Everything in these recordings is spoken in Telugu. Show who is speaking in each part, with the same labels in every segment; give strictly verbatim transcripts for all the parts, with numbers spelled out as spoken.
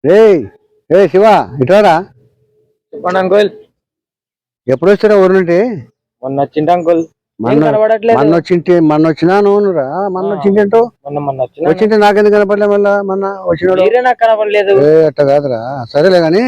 Speaker 1: రే ఏ శివ ఇటారా
Speaker 2: చెప్పండి అంకుల్.
Speaker 1: ఎప్పుడు వచ్చారా ఊరు నుండి?
Speaker 2: మొన్న వచ్చింది అంకుల్.
Speaker 1: మొన్న వచ్చింటి మొన్న వచ్చినా నువ్వురా మొన్న వచ్చింటో
Speaker 2: మొన్న మొన్న
Speaker 1: వచ్చింటే నాకెందుకు కనపడలే మళ్ళా మొన్న వచ్చిన
Speaker 2: నాకు కనపడలేదు.
Speaker 1: అట్లా కాదురా సరేలే గాని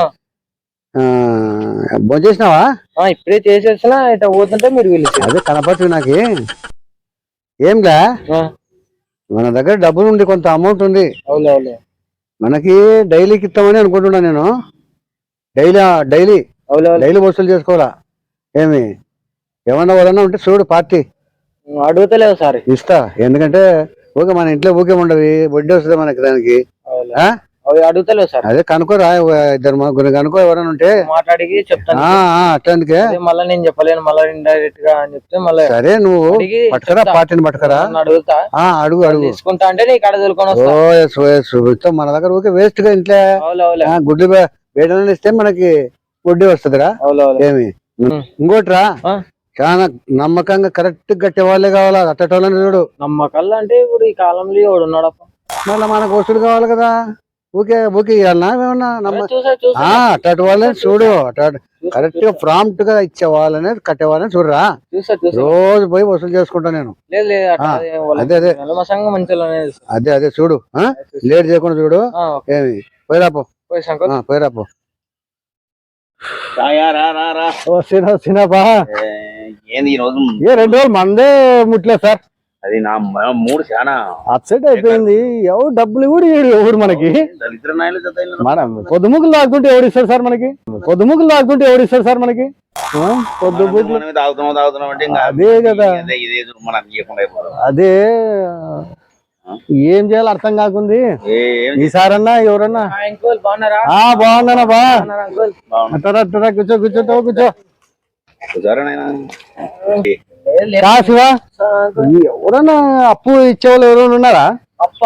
Speaker 1: భోజనం చేసినావా?
Speaker 2: ఇప్పుడే చేసేసినా ఇట్లా పోతుంటే మీరు వెళ్ళి
Speaker 1: అదే కనపడుతుంది నాకు. ఏంలా మన దగ్గర డబ్బులు ఉంది, కొంత అమౌంట్ ఉంది.
Speaker 2: అవును
Speaker 1: మనకి డైలీకి ఇస్తామని అనుకుంటున్నా నేను. డైలీ డైలీ డైలీ వసూలు చేసుకోవాలా ఏమి? ఏమన్నా వాళ్ళన్నా ఉంటే చూడు పార్టీ.
Speaker 2: అడుగుతలేవు సార్.
Speaker 1: ఇస్తా, ఎందుకంటే ఊకే మన ఇంట్లో ఊకే ఉండదు, వడ్డీ వస్తుంది మనకి దానికి.
Speaker 2: అడుగుతలేవు సార్.
Speaker 1: అదే కనుకోరా, ఇద్దరు ముగ్గురు కనుకో ఎవరైనా ఉంటే
Speaker 2: మాట్లాడి చెప్తాను.
Speaker 1: అట్లాందుకే
Speaker 2: మళ్ళీ నేను చెప్పలేను, మళ్ళీ ఇండైరెక్ట్ గా అని చెప్తే మళ్ళీ
Speaker 1: సరే నువ్వు పట్టుకరా, పార్టీని పట్టుకరా.
Speaker 2: అడుగుతా,
Speaker 1: అడుగు అడుగు
Speaker 2: తీసుకుంటా అంటే నీకు అడగలుకొని
Speaker 1: మన దగ్గర ఊకే వేస్ట్ గా ఇంట్లో గుడ్లు వేయడం ఇస్తే మనకి వడ్డీ వస్తుందిరా. ఏమి ఇంకోటిరా, చాలా నమ్మకంగా కరెక్ట్ కట్టే వాళ్ళే కావాలా, అట్టటోళ్ళని చూడు.
Speaker 2: నమ్మకాలు అంటే ఇప్పుడు ఈ కాలంలో ఎవడు ఉన్నాడప్ప?
Speaker 1: మళ్ళీ మనకు వసూలు కావాలి కదా, ఊకే ఊకే ఇవ్వాలన్నా ఏమన్నా నమ్మ అట్టటి వాళ్ళని చూడు. అటు కరెక్ట్ గా ప్రాంప్ట్ గా ఇచ్చే వాళ్ళని కట్టే వాళ్ళని చూడరా. రోజు పోయి వసూలు చేసుకుంటా నేను. అదే అదే అదే అదే చూడు, లేట్ చేయకుండా చూడు. ఏమి పోయిరాపో పోయిరాపో
Speaker 3: ఏంది ఈ రోజు?
Speaker 1: ఏ రెండు రోజులు మందే ముట్లేదు సార్.
Speaker 3: అది నా మూడు చాలా
Speaker 1: అప్సెట్ అయిపోయింది. ఎవరు డబ్బులు కూడా ఎవరు మనకి మనం పొద్దుముకులు తాగుతుంటే ఎవడు ఇస్తాడు సార్ మనకి? పొద్దుముకులు తాగుతుంటే ఎవడు ఇస్తాడు సార్ మనకి? పొద్దుముకులు అదే కదా, అదే ఏం చేయాలో అర్థం కాకుంది. ఈసారన్నా ఎవరన్నా బాగున్నానా బా అట్టరా కూర్చో కూర్చోటావు కూర్చో శివా. ఎవరన్నా అప్పు ఇచ్చేవాళ్ళు ఎవరైనా ఉన్నారా?
Speaker 2: అప్ప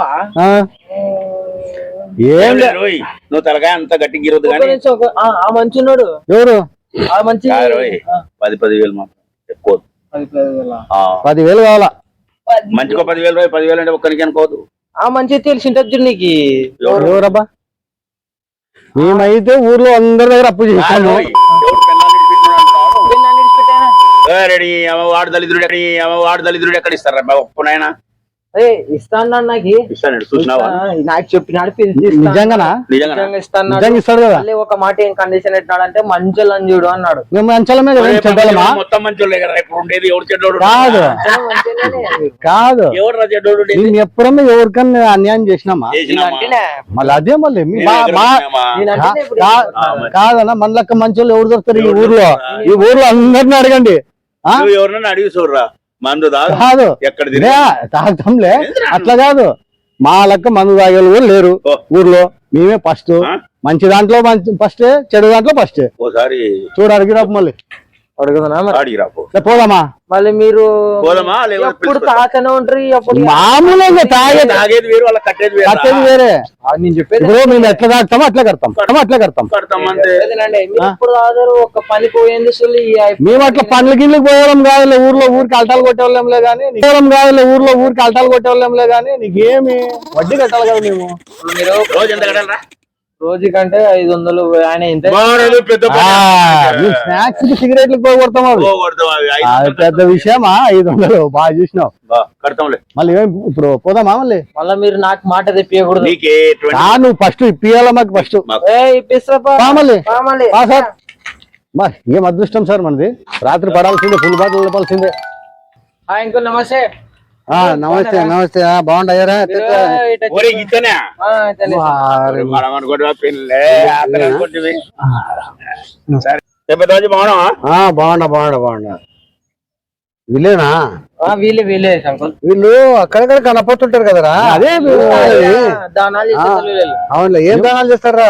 Speaker 3: ఏం నువ్వు తలకాయ అంత గట్టిగా గిరొద్దు కానీ
Speaker 2: మంచున్నాడు.
Speaker 1: ఎవరు?
Speaker 2: మంచి
Speaker 3: పది పది వేలు మాత్రం ఎక్కువ.
Speaker 1: పదివేలు కావాలా?
Speaker 3: మంచిగా పదివేలు రూపాయలు పదివేలు అంటే ఒక్కరికి అనుకోవద్దు.
Speaker 2: ఆ మంచి తెలిసింటది నీకు.
Speaker 1: ఎవరబ్బా? మేమైతే ఊర్లో అందరి దగ్గర అప్పు చేస్తాను.
Speaker 3: వాడు దళిద్రుడు వాడు దళిద్రుడు ఎక్కడ ఇస్తారా ఒప్పునైనా?
Speaker 2: ఇస్తాను నాకు
Speaker 3: ఇస్తాను, చూసినావా?
Speaker 2: నాకు చెప్పినాడు
Speaker 1: నిజంగానా?
Speaker 2: నిజంగా ఇస్తాను.
Speaker 1: ఇస్తాడు కదా.
Speaker 2: ఒక మాట ఏం కండిషన్ ఎట్టినాడు అంటే మంచోళ్ళు అని చూడు అన్నాడు.
Speaker 1: మేము మంచోళ్ళమే కదా,
Speaker 3: మొత్తం మంచోళ్ళే కదా. ఇప్పుడు ఉండేది ఎవరు చెడ్డోడు
Speaker 1: కాదు కాదు. నేను ఎప్పుడన్నా ఎవరికన్నా అన్యాయం చేసినామా? మళ్ళీ అదే మళ్ళీ కాదన్నా, మన లెక్క మంచోళ్ళు ఎవరు దొరుకుతారు ఈ ఊర్లో? ఈ ఊర్లో అందరిని అడగండి.
Speaker 3: ఎవరన్నా అడిగి చూడరా, మందు
Speaker 1: కాదు
Speaker 3: ఎక్కడ
Speaker 1: తాగుతాంలే, అట్లా కాదు. మా లెక్క మందు తాగే కూడా లేరు ఊర్లో. మేమే ఫస్ట్. మంచి దాంట్లో మంచి ఫస్ట్, చెడు దాంట్లో ఫస్ట్.
Speaker 3: ఓసారి
Speaker 1: చూడు అడిగిరాపు, మళ్ళీ పోదామా?
Speaker 2: మళ్ళీ మీరు
Speaker 3: పోదామా?
Speaker 2: ఎప్పుడు తాకనే ఉంటారు.
Speaker 1: మామూలుగా తాగే
Speaker 3: తాగేది వేరు, వాళ్ళ కట్టేది వేరు.
Speaker 1: కట్టేది వేరే. నేను చెప్పేది మేము ఎట్లా తాగుతామో అట్లా కడతాం, అట్లా కడతాం.
Speaker 2: ఎప్పుడు తాగారు? ఒక పని పోయింది.
Speaker 1: మేము అట్లా పనుల గిన్నెలకు పోవడం కాదు, ఊర్లో ఊరికి అల్టాలు కొట్టేవాళ్ళంలే గానీ పోవడం కాదు, ఊర్లో ఊరికి అల్టాలు కొట్టేవాళ్ళంలే గానీ నీకేమి వడ్డీ కట్టాలి కదా మేము.
Speaker 3: మీరు రోజు ఎంత కట్టాలరా?
Speaker 2: రోజు కంటే ఐదు వందలు. ఆయన
Speaker 1: స్నాక్స్ కి సిగరెట్లు పోగొడతాం, పెద్ద విషయమా? ఐదు వందలు బాగా చూసినావు. మళ్ళీ ఇప్పుడు పోదామా? మళ్ళీ
Speaker 2: మళ్ళీ మీరు నాకు మాట తెప్పియకూడదు.
Speaker 1: నువ్వు ఫస్ట్ ఇప్పియాలా మాకు? ఫస్ట్ సార్ మరి ఏం అదృష్టం సార్ మనది. రాత్రి పడాల్సిందే, ఫుల్ బాటిల్ నింపాల్సిందే.
Speaker 2: ఇంకో నమస్తే.
Speaker 1: నమస్తే నమస్తే. బాగుండయ్యారా? బాగుండా బాగుండా బాగుండా. వీళ్ళేనా?
Speaker 2: వీళ్ళే వీళ్ళే
Speaker 1: వీళ్ళు అక్కడక్కడ కనపడుతుంటారు కదరా. అదే అవునులే. ఏం దానాలు చేస్తారా?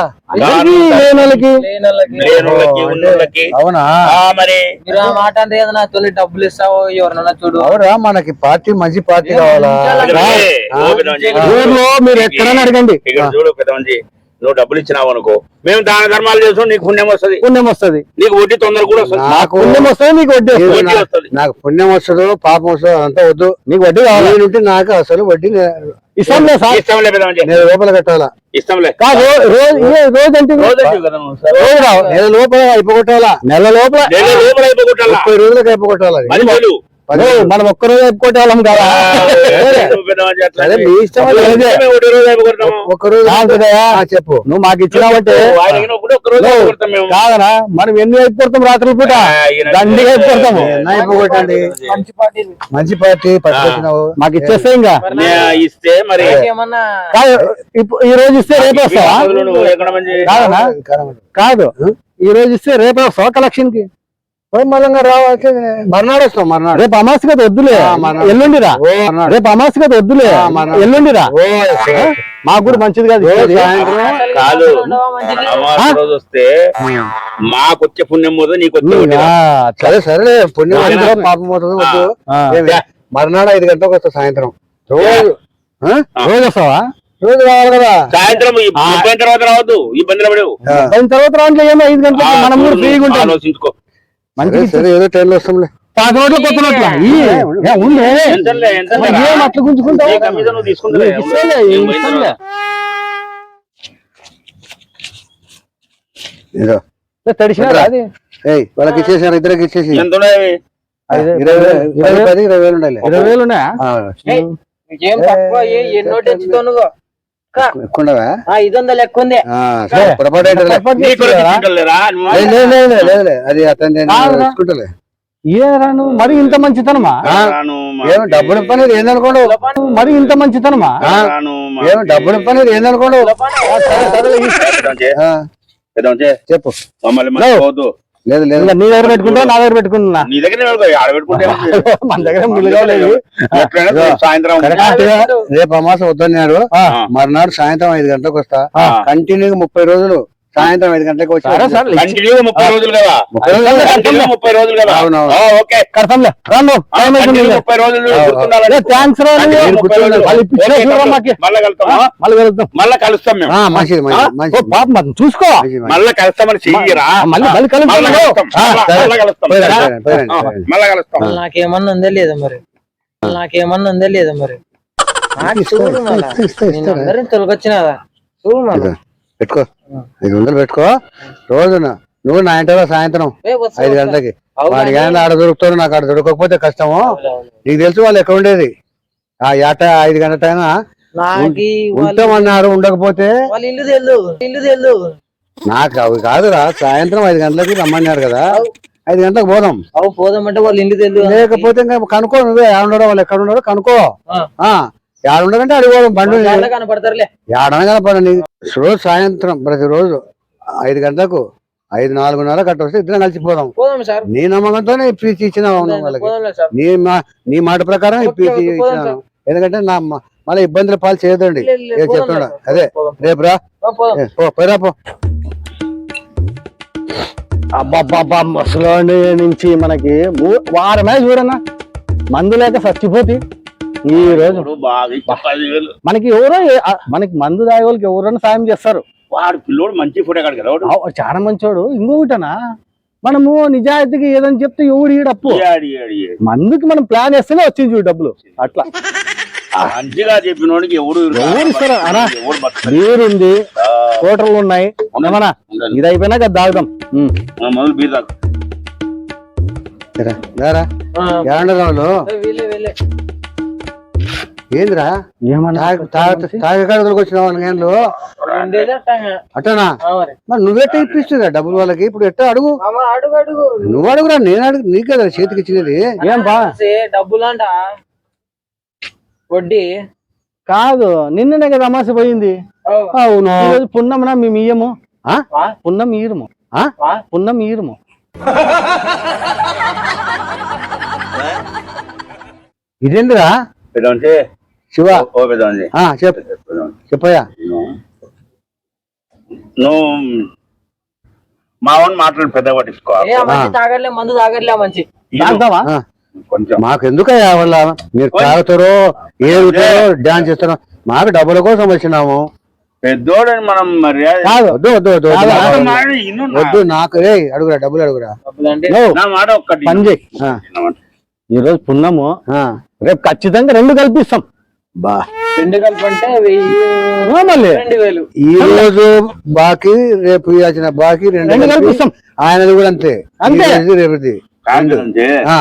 Speaker 1: అవునా?
Speaker 2: మరి మాట అంటే ఏదైనా తొలి డబ్బులు ఇస్తావు ఎవరన్నా చూడు.
Speaker 1: అవురా, మనకి పార్టీ మంచి పార్టీ కావాలా? ఊర్లో మీరు ఎక్కడైనా అడగండి.
Speaker 3: చూడు పెద్ద, నువ్వు డబ్బులు ఇచ్చినావు అనుకో, మేము దాన ధర్మాలు చేస్తాం, నీకు పుణ్యం వస్తుంది.
Speaker 1: పుణ్యం వస్తుంది,
Speaker 3: నీకు వడ్డీ తొందర కూడా వస్తుంది.
Speaker 1: నాకు పుణ్యం వస్తుంది, నీకు వడ్డీ వస్తుంది. నాకు పుణ్యం వస్తుంది, పాపం వస్తుంది అంతా వద్దు. నీకు వడ్డీ కావాలి. నాకు అసలు వడ్డీ
Speaker 4: ఇష్టంలే సార్.
Speaker 3: ఇష్టంలే పెద్దమంచి.
Speaker 1: నేను లోపల కట్టాలా
Speaker 3: ఇష్టంలే
Speaker 4: కాదు రోజు ఏ రోజు అంటే
Speaker 3: రోజు అంటివి కదా నువ్వు సార్.
Speaker 4: రోజు రావు.
Speaker 1: నెల లోపల అయిపోగొట్టాలా
Speaker 4: నెల లోపల
Speaker 3: నెల లోపల అయిపోగొట్టాలా.
Speaker 1: ముప్పై రోజులకు అయిపోగొట్టాలా
Speaker 3: మరి వెళ్ళు.
Speaker 4: ఓ, మనం ఒక్క రోజు అయిపోతే వాళ్ళం కదా.
Speaker 3: నువ్వు పెద్దమంచి అట్లా
Speaker 1: అదే మీ ఇష్టం అది.
Speaker 3: మేము ఒకటి రోజు అయిపోగొడతాము.
Speaker 1: ఒక్క రోజు
Speaker 4: కాదుదయ్యా,
Speaker 1: ఆ, చెప్పు
Speaker 4: నువ్వు మాకు ఇచ్చినావంటే
Speaker 3: ఆయనకి ఒకటి ఒక్క రోజు అయిపోగొడతాం మేము.
Speaker 4: కాదనా మనం ఎన్ని అయిపోతాం రాత్రి పూట దండిగా అయిపోతాము.
Speaker 1: నా అయిపోగొట్టండి.
Speaker 2: మంచి పార్టీ
Speaker 1: మంచి పార్టీ పట్టుకొచ్చినావు.
Speaker 4: మాకు ఇచ్చేస్తే ఇంకా
Speaker 3: నే ఇస్తే మరి
Speaker 2: ఏమన్నా
Speaker 4: కాదు. ఇప్పుడు ఈ రోజు ఇస్తే రేపు వస్తావా?
Speaker 3: నువ్వు ఎక్కడ మంచి
Speaker 4: కాదనా కాదు, ఈ రోజు ఇస్తే రేపు వస్తావా కలెక్షన్ కి?
Speaker 1: మళ్ళంగా రావాలి మర్నాడు వస్తాం. మర్నాడు
Speaker 4: రేపు అమాస కదా వద్దులే,
Speaker 1: మర్నాడు.
Speaker 4: ఎల్లుండిరా.
Speaker 1: ఓ మర్నాడు.
Speaker 4: రేపు అమాస కదా వద్దులే,
Speaker 1: మర్నాడు.
Speaker 4: ఎల్లుండిరా.
Speaker 1: ఓ
Speaker 4: మాకు కూడా మంచిది కాదు
Speaker 1: ఓ
Speaker 4: ఇచ్చేది.
Speaker 1: సాయంత్రం
Speaker 3: కాదు
Speaker 2: మంచిది.
Speaker 3: అమావాస్య రోజు వస్తే మాకు వచ్చే పుణ్యం పోదు నీకు వచ్చే
Speaker 4: నువ్వు
Speaker 3: పుణ్యం.
Speaker 4: ఆ,
Speaker 1: సరే సరే పుణ్యం
Speaker 3: ఆ.
Speaker 1: అవుతుందో పాపం అవుతుందో వద్దు.
Speaker 4: ఆ.
Speaker 1: ఏమి? మర్నాడు ఐదు గంటలకు వస్తా సాయంత్రం. రోజు ఆ?
Speaker 4: రోజు వస్తావా?
Speaker 1: రోజు రావాలి కదా.
Speaker 3: సాయంత్రం ఈ ముప్పై తర్వాత రావద్దు, ఇబ్బందులు పడవు.
Speaker 1: ఆ.
Speaker 4: దాని తర్వాత రాంట్లో ఏమో ఐదు గంటలకు మనం కూడా ఫ్రీగా ఉంటాం.
Speaker 3: ఆలోచించుకో.
Speaker 4: మంచిగా
Speaker 1: సరే,
Speaker 4: ఇచ్చేది.
Speaker 1: సరే ఏదో టైంలో వస్తాంలే.
Speaker 4: పాత నోట్ల కొత్త నోట్ల ఈ, ఏ, ఉండే
Speaker 3: ఎంతలే, ఎంతలే
Speaker 4: మరి
Speaker 3: రా.
Speaker 4: ఏం అట్లా గుంజుకుంటావు?
Speaker 3: నీ కమిషన్ నువ్వు తీసుకుంటలే.
Speaker 4: నీకు ఇస్తాలే,
Speaker 3: ఏం
Speaker 4: నీకు ఇస్తాలే.
Speaker 1: ఇదో
Speaker 4: తడిసినా అది
Speaker 1: ఏయ్ వాళ్ళకి ఇచ్చేసారు, ఇద్దరికి ఇచ్చేసి
Speaker 3: ఎంత ఉన్నాయి?
Speaker 4: ఐదు-
Speaker 1: ఇరవై వేలు పది పది ఇరవై వేలు ఉండాలి.
Speaker 4: ఇరవై వేలు ఉన్నాయా?
Speaker 1: ఆ,
Speaker 2: ఏయ్, ఏం తక్కువ ఏ- ఎన్నో తెచ్చుతావు నువ్వు
Speaker 1: ఎక్కువ ఉండవా?
Speaker 2: ఆ, ఐదు వందలు ఎక్కువ ఉంది.
Speaker 1: ఆ, సరే, పొరపాటు ఏంటలే.
Speaker 4: పొరపాటు
Speaker 3: నీ కొరకు
Speaker 4: చేస్తున్నారా?
Speaker 3: తీసుకుంటలేరా? నువ్వు
Speaker 1: లేదు, లేదు, లేదు, లేదు, లేదు, లేదు. అది అతను నేను
Speaker 4: కాదురా.
Speaker 1: తీసుకుంటలే.
Speaker 4: ఏరా నువ్వు మరి ఇంత మంచితనమా?
Speaker 1: ఆ,
Speaker 3: రాను
Speaker 1: ఏమో డబ్బులు పని ఏందనుకోండు.
Speaker 4: మరి ఇంత మంచితనమా?
Speaker 1: ఆ,
Speaker 3: రాను
Speaker 1: ఏమో డబ్బులు పని ఏందనుకోండు. ఆ,
Speaker 3: పెద్దమంచి,
Speaker 1: చెప్పు.
Speaker 3: మమ్మల్ని మర్చిపోవద్దు.
Speaker 1: లేదు లేదు
Speaker 4: ఇంకా నీ దగ్గర పెట్టుకుంటా నా దగ్గర పెట్టుకున్నా?
Speaker 3: నీ దగ్గర ఆడ పెట్టుకుంటే
Speaker 4: మన దగ్గర మిల్లుగా లేదు.
Speaker 3: ఎప్పుడైనా సాయంత్రం
Speaker 1: కరెక్ట్ గా రేపు అమాస వద్దన్నాడు.
Speaker 4: ఆ,
Speaker 1: మర్నాడు సాయంత్రం ఐదు గంటలకు వస్తా.
Speaker 3: ఆ.
Speaker 1: కంటిన్యూగా ముప్పై రోజులు సాయంత్రం ఐదు గంటలకు వచ్చి
Speaker 4: సరే సరే
Speaker 3: కంటిన్యూగా ముప్పై రోజులు కదా.
Speaker 1: ముప్పై రోజులు
Speaker 3: కంటిన్యూగా ముప్పై రోజులు కదా.
Speaker 1: అవునవును.
Speaker 3: ఆ, ఓకే.
Speaker 4: కడతాంలే రాను.
Speaker 3: ఆ,
Speaker 4: టైం అయిపోయింది.
Speaker 3: కంటిన్యూగా ముప్పై రోజులు గుర్తుండాలని.
Speaker 4: థ్యాంక్స్ రా నువ్వు.
Speaker 3: కంటిన్యూగా ముప్పై రోజులు.
Speaker 4: వాళ్ళు ఇప్పించిన
Speaker 3: ఓకే,
Speaker 4: చూడరా మాకి.
Speaker 3: మళ్ళా కలుస్తామా?
Speaker 4: మళ్ళీ వెళ్తాం.
Speaker 3: మళ్ళా కలుస్తాం మేము.
Speaker 1: ఆ, మంచిది
Speaker 4: ఆ?
Speaker 1: మంచిది
Speaker 4: ఓ
Speaker 1: మంచిది
Speaker 4: పాప మరి చూసుకో.
Speaker 1: మంచిది, మంచిది.
Speaker 3: మళ్ళా కలుస్తామని చెయ్యరా.
Speaker 4: మళ్ళీ మళ్ళీ కలుస్తాం.
Speaker 3: మళ్ళా కలుస్తాం.
Speaker 4: ఆ,
Speaker 3: మళ్ళా-
Speaker 1: సరే.
Speaker 3: మళ్ళా కలుస్తాం.
Speaker 1: పోయిరా,
Speaker 3: ఆ,
Speaker 1: పోయిరా, పోయిరా,
Speaker 3: ఆ,
Speaker 1: పోయిరా.
Speaker 3: మళ్ళా కలుస్తాం.
Speaker 2: మళ్ళీ నాకేమన్నా ఉందా లేదా మరి మళ్ళీ నాకేమన్నా ఉందా లేదా మరి నాకు
Speaker 1: ఇస్తా,
Speaker 2: చూడు
Speaker 1: ఇస్తా,
Speaker 2: మళ్ళా
Speaker 1: ఇస్తా, ఇస్తా,
Speaker 2: నేను
Speaker 1: ఇస్తా.
Speaker 2: అందరిని తొలగొచ్చినాదా చూడు మళ్ళా
Speaker 1: ఇదో, పెట్టుకో ఐదు వందలు పెట్టుకో. రోజున నువ్వు నా ఇంటిలో సాయంత్రం
Speaker 2: ఏ వస్తా,
Speaker 1: ఐదు
Speaker 2: వస్తా.
Speaker 1: గంటలకి
Speaker 2: అవునా?
Speaker 1: వాడికి ఏమైనా ఆడ దొరుకుతారు, నాకు ఆడ దొరకకపోతే కష్టము.
Speaker 2: అవునవును.
Speaker 1: నీకు తెలుసు వాళ్ళు ఎక్కడ ఉండేది. ఆ ఏట ఐదు గంటల టైం
Speaker 2: నాకి వాళ్ళు
Speaker 1: ఉంటామన్నారు, ఉండకపోతే
Speaker 2: వాళ్ళ ఇల్లు తెలు ఇల్లు తెలు
Speaker 1: నాకు అవి కాదురా. సాయంత్రం ఐదు గంటలకి రమ్మన్నారు కదా, ఐదు గంటలకు పోదాం.
Speaker 2: అవు పోదామంటే వాళ్ళ ఇల్లు తెలు
Speaker 1: లేకపోతే ఇంకా కనుక్కో, నువ్వే ఏడ ఉండడో వాళ్ళు ఎక్కడ ఉండడో కనుక్కో. ఆ ఏడ ఉండదంటే అడిగోదాం బండి
Speaker 2: కనపడతారులే.
Speaker 1: ఏడనగా పడండి. రోజు సాయంత్రం ప్రతిరోజు ఐదు గంటలకు ఐదు నాలుగున్నర కట్ట వస్తే ఇద్దరం కలిసిపోదాం.
Speaker 2: పోదాం సార్
Speaker 1: నీ నమ్మకంతోనే ఇప్పించి ఇచ్చిన వాళ్ళకి.
Speaker 2: పోదాంలే సార్.
Speaker 1: నీ మా నీ మాట ప్రకారం
Speaker 2: ఓకే,
Speaker 1: ఇప్పించి
Speaker 2: ఓకే, పోదాం
Speaker 1: ఇచ్చినాను.
Speaker 2: సార్.
Speaker 1: ఎందుకంటే నా మ- మళ్ళీ ఇబ్బందుల పాలు చేయదండి.
Speaker 2: లే, లే,
Speaker 1: ఏ
Speaker 2: పోదాంలే
Speaker 1: చెప్తున్నా
Speaker 2: సార్.
Speaker 1: అదే
Speaker 2: పోదాం.
Speaker 1: రేపు రా.
Speaker 2: ఆ, పోదాం.
Speaker 1: ఏ, పో పోయిరా పో.
Speaker 4: అబ్బాబ్బా ముసలోని నుంచి మనకి ఊ- వారమే చూడన్నా మందు లేక చచ్చిపోతే ఈ రోజు
Speaker 3: ఇప్పుడు బాగా ఇచ్చి పదివేలు.
Speaker 4: మనకి ఎవరో ఏ- ఆ, మనకి మందు తాగే వాళ్ళకి ఎవరైనా సాయం చేస్తారు.
Speaker 3: వాడు పిల్లోడు మంచి ఫోటో కాడు కదా. వాడు
Speaker 4: ఆ, చాలా మంచోడు. ఇంకొకటనా మనము నిజాయితీగా ఏదని చెప్తే ఎవడు ఈడప్పు.
Speaker 3: ఏడి, ఏడి, ఏడి.
Speaker 4: మందుకి మనం ప్లాన్ వేస్తేనే వచ్చింది చూడు డబ్బులు. అట్లా
Speaker 3: మంచిగా చెప్పినోడికి ఎవడు
Speaker 4: ఎవరు ఇస్తారా? అనా?
Speaker 3: ఎవడు బతకడు.
Speaker 4: బీర్ ఉంది,
Speaker 3: ఆ,
Speaker 4: హోటల్ ఉన్నాయి. ఏమన్నా
Speaker 3: ఉండాలి.
Speaker 4: ఇది అయిపోయినాక అది తాగుదాం. ఉమ్.
Speaker 3: ఆ, మొదలు బీర్ తాగు.
Speaker 1: రా, రారా.
Speaker 2: ఆ,
Speaker 1: ఏమంటారు వాళ్ళు?
Speaker 2: ఏ, వీళ్ళే వీళ్ళే
Speaker 1: ఏందిరా
Speaker 4: ఏమన్నా
Speaker 1: తాగే కాడకు వచ్చినావు నేను
Speaker 2: ఉండేదే అట్టంగా.
Speaker 1: అట్టనా?
Speaker 2: ఆ, మరి.
Speaker 1: మరి నువ్వెట్ట ఇప్పిస్తుందా డబ్బులు వాళ్ళకి? ఇప్పుడు ఎట్ట అడుగు.
Speaker 2: మామ, అడుగు అడుగు
Speaker 1: నువ్వు అడుగురా, నేను అడుగు. నీకు కదా చేతికి ఇచ్చినది.
Speaker 4: ఏం బా
Speaker 2: సే, డబ్బులంట వడ్డీ.
Speaker 4: కాదు, నిన్ననే కదా అమాస పోయింది.
Speaker 2: అవు.
Speaker 4: అవును, ఈరోజు పున్నమనా మేము ఇయ్యము.
Speaker 1: ఆ?
Speaker 2: ఆ?
Speaker 4: పున్నం ఈరుము.
Speaker 1: ఆ?
Speaker 2: ఆ?
Speaker 4: పున్నం ఈరుము.
Speaker 1: ఇదేందిరా
Speaker 3: పెద్దమంచి,
Speaker 1: శివ?
Speaker 3: ఓ పెద్దమంచి,
Speaker 1: ఆ చెప్పు చెప్పయ్యా.
Speaker 3: నువ్వు మా వాడిని మాట్లాడు, పెద్ద పట్టించుకో.
Speaker 2: ఏ, ఆ మంచి తాగట్లే, మందు తాగట్లే ఆ మంచి.
Speaker 4: తాగుతావా?
Speaker 1: ఆ,
Speaker 3: కొంచెం
Speaker 1: మాకెందుకయ్యా వాళ్ళ మీరు తాగుతారో ఏడుతారో డాన్స్ చేస్తారో, మాకు డబ్బుల కోసం వచ్చినాము.
Speaker 3: పెద్దోడని మనం మరి
Speaker 4: కాదు,
Speaker 1: వద్దు వద్దు వద్దు వద్దు.
Speaker 4: కాదా?
Speaker 1: నాకు-
Speaker 3: మాట ఇను నా.
Speaker 1: వద్దు నాకు. ఏ అడుగురా, డబ్బులు అడుగురా.
Speaker 2: డబ్బులంటే
Speaker 4: నో,
Speaker 3: నా మాట ఒక్కటి
Speaker 4: పని చేయి.
Speaker 1: ఆ,
Speaker 4: ఈ రోజు పున్నము,
Speaker 1: ఆ.
Speaker 4: రేపు ఖచ్చితంగా రెండు కల్పిస్తాం.
Speaker 1: బా
Speaker 2: రెండు కలిపి అంటే వెయ్యి
Speaker 4: ఆ, మళ్ళీ
Speaker 2: రెండు వేలు.
Speaker 1: ఈ రోజు బాకీ రేపు ఇవ్వాల్సిన బాకీ రెండు
Speaker 4: రెండు కలిపి
Speaker 1: కలిపి
Speaker 4: ఇస్తాం.
Speaker 1: ఆయనది కూడా అంతే
Speaker 4: అంతే.
Speaker 1: ఈ రోజు రేపుది
Speaker 3: కాదంటే
Speaker 1: ఆ,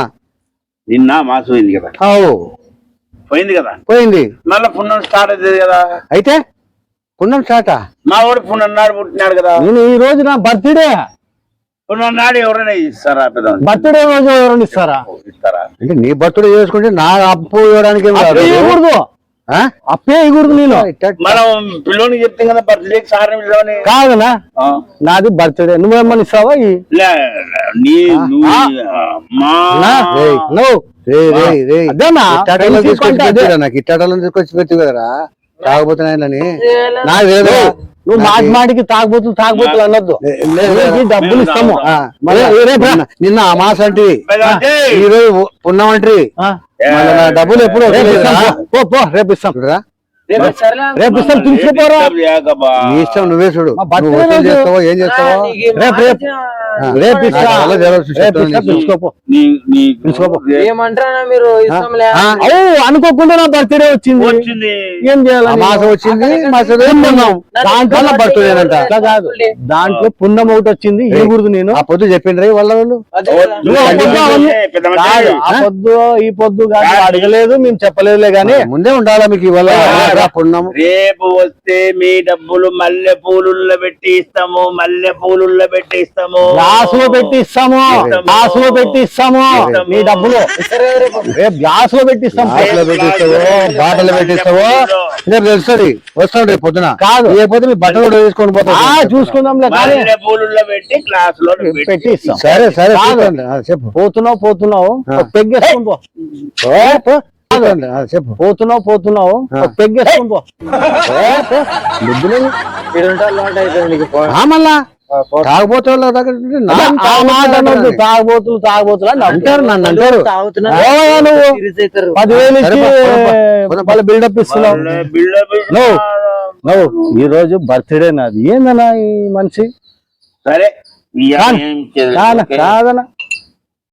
Speaker 3: నిన్న మాసు పోయింది కదా
Speaker 1: అవు
Speaker 3: పోయింది కదా
Speaker 1: పోయింది.
Speaker 3: మళ్ళీ పుణ్యం స్టార్ట్ అవుతుంది కదా.
Speaker 1: అయితే పుణ్యం చాట
Speaker 3: మా వాడు పుణ్యం నాడు పుట్టినాడు కదా.
Speaker 4: నేను ఈ రోజు నా బర్త్డే
Speaker 3: పుణ్యం నాడు ఎవరైనా ఇస్తారా పెద్ద
Speaker 4: బర్త్డే రోజు ఎవరైనా ఇస్తారా?
Speaker 3: ఇస్తారా?
Speaker 1: అంటే నీ బర్త్డే చేసుకుంటే నా అప్పు ఇవ్వడానికి ఏం కాదు.
Speaker 4: అప్పే ఇవ్వకూడదు,
Speaker 1: ఆ?
Speaker 4: అప్పే ఇవ్వకూడదు. నేను
Speaker 3: మనం పిల్లోనికి చెప్తాం కదా బర్త్డే సార్ పిల్లోని
Speaker 4: కాదనా, నాది బర్త్డే, నువ్వేమని ఇస్తావా? ఈ
Speaker 3: లే, నీ నువ్వు మా
Speaker 4: నా?
Speaker 1: రేయ్,
Speaker 4: నువ్వు
Speaker 1: రేయ్, రేయ్, రేయ్.
Speaker 4: అదేనా
Speaker 1: ఇట్టాటలో
Speaker 4: తెలిసి
Speaker 1: తీసుకొచ్చి
Speaker 4: కొంటే అదే.
Speaker 1: పెట్టిరా నాకు ఇట్టాటలో తీసుకొచ్చి పెట్టి కదరా తాగబోతున్నాయని నాకు లేదు.
Speaker 4: నువ్వు మాటి మాటికి తాగబోతులు తాగబోతులు అనొద్దు. నీకు డబ్బులు ఇస్తాము.
Speaker 1: ఆ, మళ్ళా రేపు రా. నిన్న అమాస అంటే ఈ రోజు పుణ్యం అంటే
Speaker 4: ఆ,
Speaker 1: మళ్ళీ నా డబ్బులు ఎప్పుడు
Speaker 4: రేపు
Speaker 1: వస్తలేదా?
Speaker 4: ఇస్తాం. పో పో రేపు ఇస్తాం.
Speaker 1: చూడురా,
Speaker 2: రేపు సరేలే.
Speaker 4: రేపు ఇస్తాం, తీసుకుపోరా.
Speaker 1: నీ ఇష్టం నువ్వే చూడు.
Speaker 4: మా బర్త్డే
Speaker 1: నువ్వు వసూలు
Speaker 4: రోజు-
Speaker 1: చేస్తావో ఏం
Speaker 2: ఆ,
Speaker 1: చేస్తావో
Speaker 2: నీకు ఈ
Speaker 4: రేపు,
Speaker 2: మాట
Speaker 4: రేపు.
Speaker 1: ఆ,
Speaker 4: రేపు ఇస్తా.
Speaker 1: నాకు అలా జరగదు,
Speaker 4: రేపు
Speaker 1: చెప్తాను
Speaker 4: ఇస్తా,
Speaker 1: నీకు.
Speaker 4: పిలుచుకోపో.
Speaker 3: తీసుకోపో
Speaker 2: ఏమంటారా మీరు ఇస్తాంలే.
Speaker 1: ఆ,
Speaker 4: అవు అనుకోకుండా నా బర్త్డే వచ్చింది,
Speaker 3: వచ్చింది.
Speaker 4: ఏం చేయాలి?
Speaker 1: అమాస వచ్చింది మసలు పుణ్యం దాంట్లో బర్త్డేనంట.
Speaker 4: అట్లా కాదు, దాంట్లో పుణ్యం ఒకటి వచ్చింది, ఇవ్వకూడదు. నేను
Speaker 1: ఆ పొద్దు చెప్పిండ్రు వాళ్ళ వాళ్ళు
Speaker 2: అదే
Speaker 3: ఓ,
Speaker 2: కదా.
Speaker 3: నువ్వు
Speaker 4: ఆ పొద్దు అవన్నీ
Speaker 3: పెద్ద మనిషి.
Speaker 4: కాదు, ఆ పొద్దు ఈ పొద్దు కాదు, అడగలేదు, మేము చెప్పలేదులే గాని.
Speaker 1: ముందే ఉండాలా మీకు ఇవాళ పుణ్యం.
Speaker 3: రేపు వస్తే మీ డబ్బులు మల్లె పూలుల్లో పెట్టి ఇస్తాము, మల్లె పూలుల్లో పెట్టి ఇస్తాము.
Speaker 4: గ్లాసులో పెట్టి ఇస్తాము, గ్లాసులో పెట్టి ఇస్తాము మీ డబ్బులు.
Speaker 2: సరే రేపు.
Speaker 4: రేపు గ్లాసులో పెట్టి ఇస్తాం.
Speaker 1: బాటలో పెట్టిస్తావో బాటలు పెట్టిస్తావో రేపు తెలుస్తుంది. వస్తాడు రేపు పొద్దున
Speaker 4: కాదు.
Speaker 1: లేకపోతే మీ బట్టలు కూడా తీసుకొని
Speaker 4: ఆ
Speaker 1: పోతాడు.
Speaker 4: చూసుకుందాంలే కానీ
Speaker 3: మల్లె పూలుల్లో పెట్టి క్లాస్ లో
Speaker 4: పెట్టి ఇస్తాం.
Speaker 1: సరే సరే
Speaker 4: కాదు.
Speaker 1: చూడండి. ఆ, చెప్పు
Speaker 4: పోతున్నావు పోతున్నావు
Speaker 1: ఆ.
Speaker 4: ఒక పెగ్గేసుకొని పో.
Speaker 1: ఓ, పో. చూడండి. ఆ, చెప్పు
Speaker 4: పోతున్నావు పోతున్నావు
Speaker 1: ఆ.
Speaker 4: ఒక పెగ్గేసుకొని పో.
Speaker 2: ఇడుంటే అలవాటు అయిపోయింది నీకు. పో.
Speaker 1: ఆ, మళ్ళా తాగబోతే వాళ్ళ దగ్గర ఉంటే నా
Speaker 4: ఆ మాట అనొద్దు, తాగబోతులు తాగబోతులు అని
Speaker 1: అంటారు, నన్ను అంటారు.
Speaker 2: తాగుతున్నా.
Speaker 4: ఓవయ్యా నువ్వు
Speaker 2: సీరియస్ అవుతారు.
Speaker 4: పదివేలు
Speaker 1: సరే,
Speaker 4: ఇచ్చి
Speaker 1: పో, పో, పో.
Speaker 4: వాళ్ళ బిల్డప్ ఇస్తున్నావు. నువ్వు నువ్వు ఈ రోజు బర్త్డే నాది. ఏందన్నా ఈ మనిషి?
Speaker 3: సరే ఇయ్యాల
Speaker 4: కాదు.
Speaker 3: ఏం చేద్దాం?
Speaker 4: కాదనా
Speaker 3: ఓకే.
Speaker 4: కాదనా